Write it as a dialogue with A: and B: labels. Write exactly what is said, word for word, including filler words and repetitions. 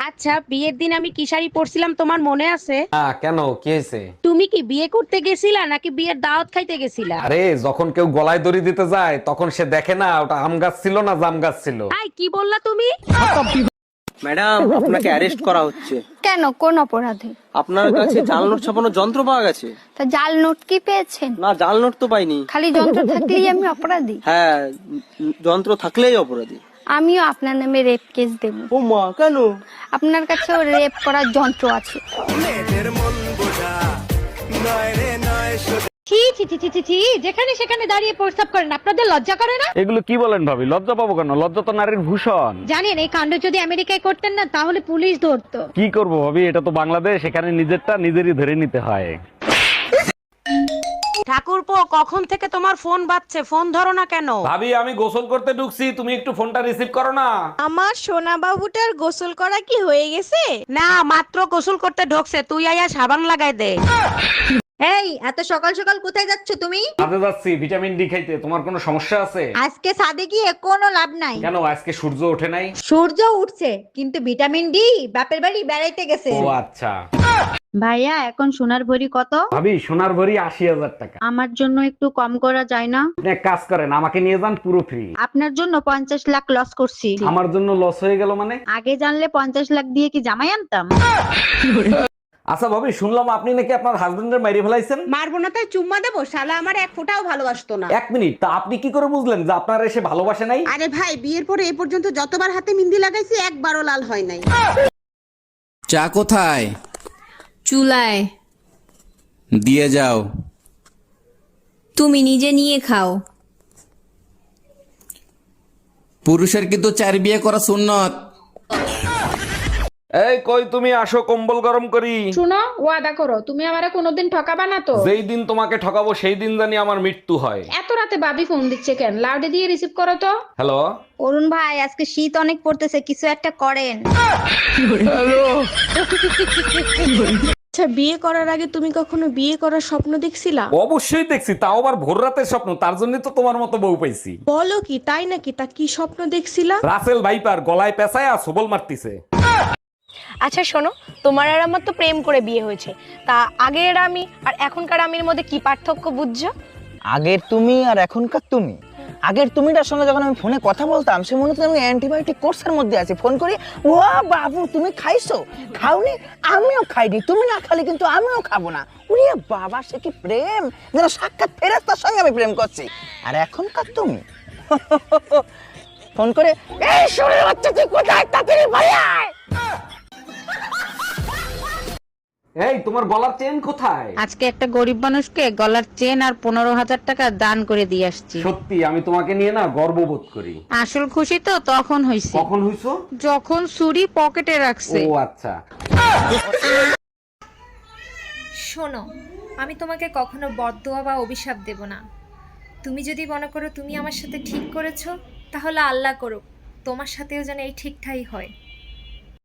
A: আচ্ছা, বিয়ের দিন আমি কি শাড়ি পরছিলাম তোমার মনে আছে?
B: হ্যাঁ, কেন, কি হয়েছে?
A: তুমি কি বিয়ে করতে গেছিলা নাকি বিয়ের দাওয়াত খাইতে গেছিলা?
B: আরে যখন কেউ গলায় দড়ি দিতে যায় তখন সে দেখে না ওটা আম গাছ ছিল না জাম গাছ ছিল।
A: আই কি বললা তুমি?
C: ম্যাডাম, আপনাকে অ্যারেস্ট করা হচ্ছে।
D: কেন, কোন অপরাধে?
C: আপনার কাছে জাল নোট ছাপানোর যন্ত্র পাওয়া গেছে।
D: তা জাল নোট কি পেয়েছেন?
C: না, জাল নোট তো পাইনি।
D: খালি যন্ত্র থাকলেই আমি অপরাধী?
C: হ্যাঁ, উম, যন্ত্র থাকলেই অপরাধী।
D: আমিও আপনার নামে রেপ কেস দেব।
C: ও মা, কেন?
D: আপনার কাছেও রেপ করার যন্ত্র আছে।
A: ছি ছি ছি ছি ছি ছি, যেখানে সেখানে দাঁড়িয়ে প্রস্তাব করেন, আপনাদের লজ্জা করে না?
B: এগুলো কি বলেন ভাবি? লজ্জা পাবো কেন? লজ্জা তো নারীর ভূষণ।
A: জানেন এই কাণ্ড যদি আমেরিকায় করতেন না তাহলে পুলিশ ধরতো।
B: কি করবো ভাবি, এটা তো বাংলাদেশ, এখানে নিজেরটা নিজেরই ধরে নিতে হয়।
A: ঠাকুরপো, কখন থেকে তোমার ফোন বাজছে, ফোন ধরো না কেন?
B: ভাবি, আমি গোসল করতে ঢুকছি, তুমি একটু ফোনটা রিসিভ করো না।
E: আমার সোনা বাবুটার গোসল করা কি হয়ে গেছে?
A: না, মাত্র গোসল করতে ঢোকছে, তুই আয়া সাবান লাগাই দে।
E: এই এত সকাল সকাল কোথায় যাচ্ছ তুমি?
B: কাজে যাচ্ছি ভিটামিন ডি খাইতে। তোমার কোনো সমস্যা আছে?
E: আজকে ছাদে গিয়ে কোনো লাভ নাই।
B: কেন, আজকে সূর্য ওঠে নাই?
E: সূর্য উঠছে কিন্তু ভিটামিন ডি বাপের বাড়ি বেড়াইতে গেছে।
B: ও আচ্ছা।
E: ভাইয়া, এখন সোনার ভরি কত?
B: ভাবি, সোনার ভরি আশি হাজার টাকা।
E: আমার জন্য একটু কম করা যায় না?
B: আপনি এক কাজ করেন, আমাকে নিয়ে যান, পুরো ফ্রি।
E: আপনার জন্য পঞ্চাশ লাখ লস করছি।
B: আমার জন্য লস হয়ে গেল মানে?
E: আগে জানলে পঞ্চাশ লাখ দিয়ে কি জামাই আনতাম?
B: আচ্ছা ভাবি, শুনলাম আপনি নাকি আপনার হাজবেন্ডের মেরে ফেলাইছেন।
A: মারবো না তাই চুম্মা দেবো? শালা আমার এক ফোঁটাও ভালোবাসতো না।
B: এক মিনিট, তা আপনি কি করে বুঝলেন যে আপনার এসে ভালোবাসে নাই?
A: আরে ভাই, বিয়ের পরে এ পর্যন্ত যতবার হাতে মেহেন্দি লাগাইছি একবারও লাল হয় নাই।
F: চা কোথায়?
G: চুলায়।
F: দিয়ে যাও।
G: তুমি নিজে নিয়ে খাও।
F: পুরুষের কিন্তু চার বিয়ে করা সুন্নত।
B: এই কই তুমি, আসো কম্বল গরম করি।
H: শুনো, ওয়াদা করো তুমি আমারে কোনোদিন ঠকাবা না তো?
B: যেই দিন তোমাকে ঠকাবো সেই দিন জানি আমার মৃত্যু হয়।
H: এত রাতে বাবি ফোন দিচ্ছে কেন? লাউডে দিয়ে রিসিভ করো তো।
B: হ্যালো।
E: অরুণ ভাই, আজকে শীত অনেক পড়তেছে, কিছু একটা করেন।
I: আচ্ছা, বিয়ে করার আগে তুমি কখনো বিয়ে করার স্বপ্ন দেখছিলা?
B: অবশ্যই দেখছি, তাও আবার ভোর রাতের স্বপ্ন। তার জন্য তো তোমার মতো বউ পাইছি।
I: বলো কি, তাই নাকি? তা কি স্বপ্ন দেখছিলা?
B: রাসেল ভাইপার গলায় পেঁচায় আর সবল মারতিছে।
J: আচ্ছা শোনো, তোমার আর আমার তো প্রেম করে বিয়ে হয়েছে, তা আগের আমি আর এখনকার আমির মধ্যে কি পার্থক্য বুঝছো?
C: আগের তুমি আর এখনকার তুমি। আগের তুমিটার সঙ্গে যখন আমি ফোনে কথা বলতাম সে মনে হতো আমি অ্যান্টিবায়োটিক কোর্সের মধ্যে আছি। ফোন করি, ও বাবু তুমি খাইছো? খাওনি? আমিও খাইনি। তুমি না খালি কিন্তু আমিও খাবো না। ওরে বাবা, সে কি প্রেম! যেন সাক্ষাৎ ফেরেশতার সঙ্গে আমি প্রেম করছি। আর এখনকার তুমি ফোন করে, এই শরীর বাচ্চা তুই কোথায়, তাড়াতাড়ি বাড়ি আয়।
B: এই তোমার গলার চেন কোথায়?
A: আজকে একটা গরিব মানুষকে গলার চেন আর পনেরো হাজার টাকা দান করে দিয়ে আসছি।
B: সত্যি আমি তোমাকে নিয়ে না গর্ববোধ করি।
A: আসল খুশি তো তখন হইছে
B: কখন হইছো?
A: যখন ছুরি পকেটে রাখছে।
B: ও আচ্ছা।
G: শোনো, আমি তোমাকে কখনো বদদোয়া বা অভিশাপ দেব না। তুমি যদি মনে করো তুমি আমার সাথে ঠিক করেছো, তাহলে আল্লাহ করুক তোমার সাথেও যেন এই ঠিকঠাই হয়।